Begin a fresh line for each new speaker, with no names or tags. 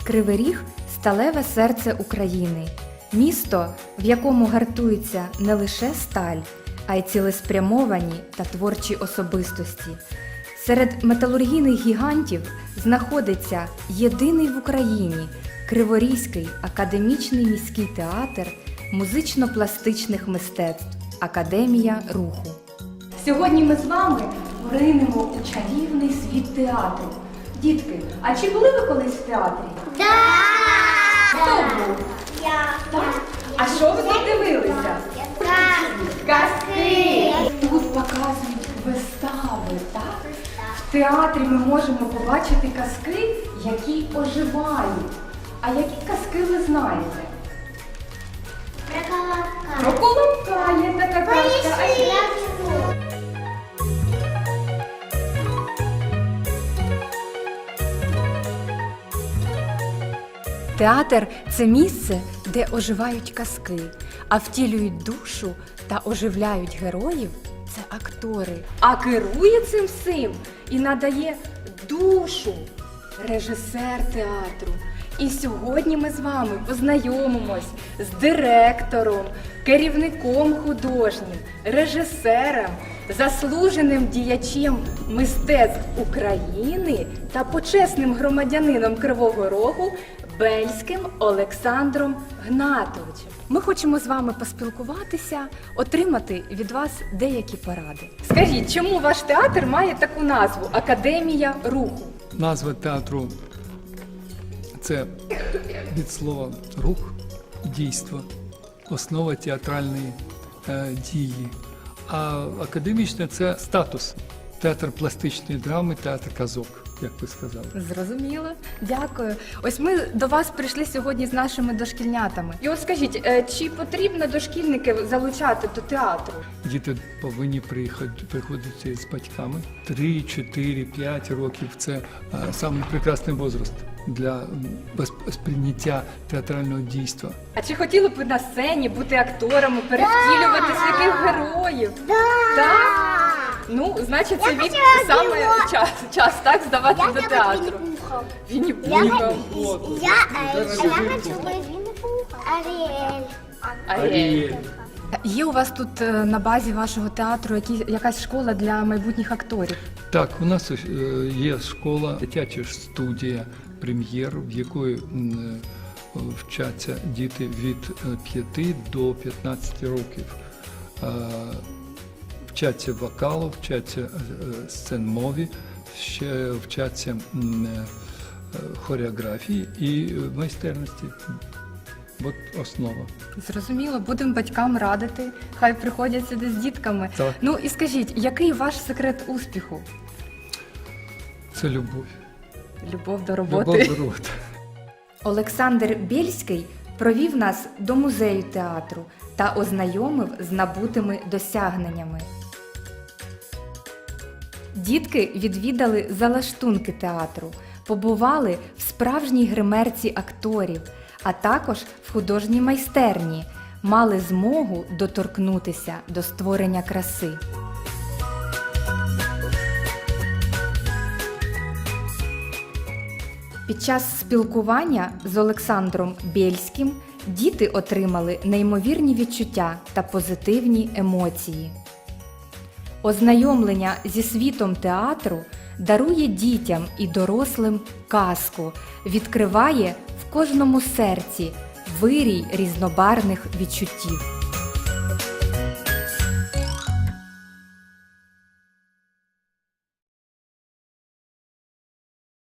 Кривий Ріг – сталеве серце України. Місто, в якому гартується не лише сталь, а й цілеспрямовані та творчі особистості. Серед металургійних гігантів знаходиться єдиний в Україні Криворізький академічний міський театр музично-пластичних мистецтв «Академія руху». Сьогодні ми з вами поринемо у чарівний світ театру. Дітки, а чи були ви колись в театрі?
Да!
Хто був?
Я.
Так? А що ви тут дивилися? Казки! Тут показують вистави, так? В театрі ми можемо побачити казки, які оживають. А які казки ви знаєте?
Про колобка.
Про Колобка є така казка. А ще? Театр – це місце, де оживають казки, а втілюють душу та оживляють героїв – це актори. А керує цим всім і надає душу режисер театру. І сьогодні ми з вами познайомимось з директором, керівником художнім, режисером, заслуженим діячем мистецтв України та почесним громадянином Кривого Рогу Бельським Олександром Гнатовичем. Ми хочемо з вами поспілкуватися, отримати від вас деякі поради. Скажіть, чому ваш театр має таку назву «Академія руху»?
Назва театру – це від слова «рух», «дійство», основа театральної дії. А академічне – це статус. Театр пластичної драми, театр казок, як ви сказали.
Зрозуміло. Дякую. Ось ми до вас прийшли сьогодні з нашими дошкільнятами. І от скажіть, чи потрібно дошкільників залучати до театру?
Діти повинні приходити з батьками. 3, 4, 5 років – це самий прекрасний возраст для сприйняття театрального дійства.
А чи хотіли б ви на сцені бути акторами, перевтілювати своїх героїв?
Да!
Так? Ну, значить, це від саме час так, здавати до театру. Вінні-Пухом.
Я хочу Винни-Пуха. Аріель.
Аріель.
Є у вас тут на базі вашого театру якась школа для майбутніх акторів?
Так, у нас є школа, дитяча студія «Прем'єр», в якої вчаться діти від 5 до 15 років. Вчаться вокалу, вчаться сценмові, ще вчаться хореографії і майстерності. От основа.
Зрозуміло, будемо батькам радити, хай приходять сюди з дітками.
Так.
Ну і скажіть, який ваш секрет успіху?
Це любов.
Любов до роботи.
Любов до роботи.
Олександр Бєльський провів нас до музею театру та ознайомив з набутими досягненнями. Дітки відвідали залаштунки театру, побували в справжній гримерці акторів, а також в художній майстерні, мали змогу доторкнутися до створення краси. Під час спілкування з Олександром Бєльським діти отримали неймовірні відчуття та позитивні емоції. Ознайомлення зі світом театру дарує дітям і дорослим казку, відкриває в кожному серці вирій різнобарвних відчуттів.